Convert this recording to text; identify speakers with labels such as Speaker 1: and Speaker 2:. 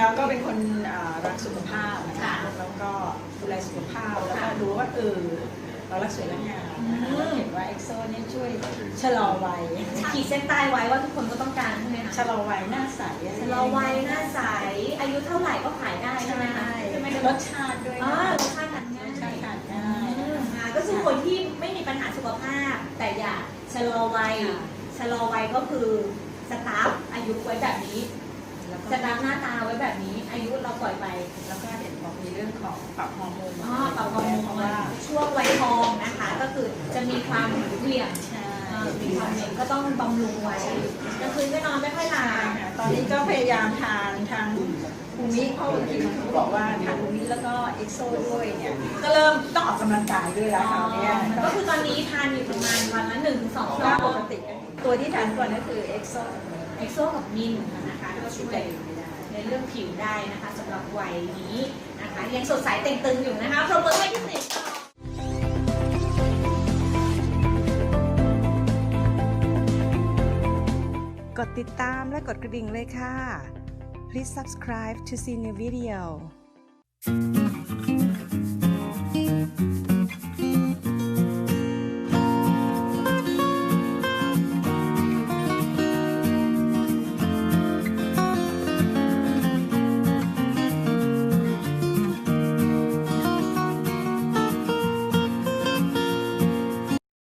Speaker 1: แล้วก็เป็นคนรักสุขภาพนะคะแล้วก็ดูแลสุขภาพแล้วก็รู้ว่าเรารักสวยรักงามนะคะแล้วเห็นว่าเอ็กโซเนี่ยช่วยชะลอวัย
Speaker 2: ขีดเส้นใต้ไว้ว่าทุกคนก็ต้องการใช่ไหมคะ
Speaker 1: ชะลอวัยหน้าใส
Speaker 2: ชะลอวัยหน้าใสอายุเท่าไหร่ก็ขายได้ใช่ไหมคะใช่ไหม
Speaker 1: รสชาติด้วย
Speaker 2: รสชาติทานง่าย
Speaker 1: รสชาติทานง่าย
Speaker 2: ก็คือคนที่ไม่มีปัญหาสุขภาพแต่อยากชะลอวัยก็คือสตาร์ฟอายุไว้แบบนี้สตาร์ฟหน้าตาไว้แบบนี้อายุเราปล่อยไป
Speaker 1: แล้วก็เห็นบอกมีเรื่องของปรับฮอร์โมน
Speaker 2: ปรับฮอร์โมนเพราะว่าช่วงวัยทองนะคะก็คือจะมีความเหวี่ยงมีความเหวี่ยงก็ต้องบำรุงไว้กลางคืนก็นอนไม่ค่อยหลับ
Speaker 1: ตอนนี้ก็พยายามทานทางภูมิเพราะบางทีเขาบอกว่าทานภูมิแล้วก็เอ็กโซด้วยเนี่ยก็เริ่มต้องออกกำลังกายด้วยแล้วคราวนี้
Speaker 2: ก็คือตอนนี้ทานอยู่ประมาณวันละ1-2
Speaker 1: ก็ปกติตัวที่ทานก่อนก็คือเอ็กโซ
Speaker 2: กับมินนะคะก็ช่วยในเรื่องผิวได้นะคะสำหรับวัยนี้นะคะยังสดใสเต่งตึงอยู่นะคะปรบมือให้พี่ติ๋ม
Speaker 3: กดติดตามและกดกระดิ่งเลยค่ะ Please subscribe to see new video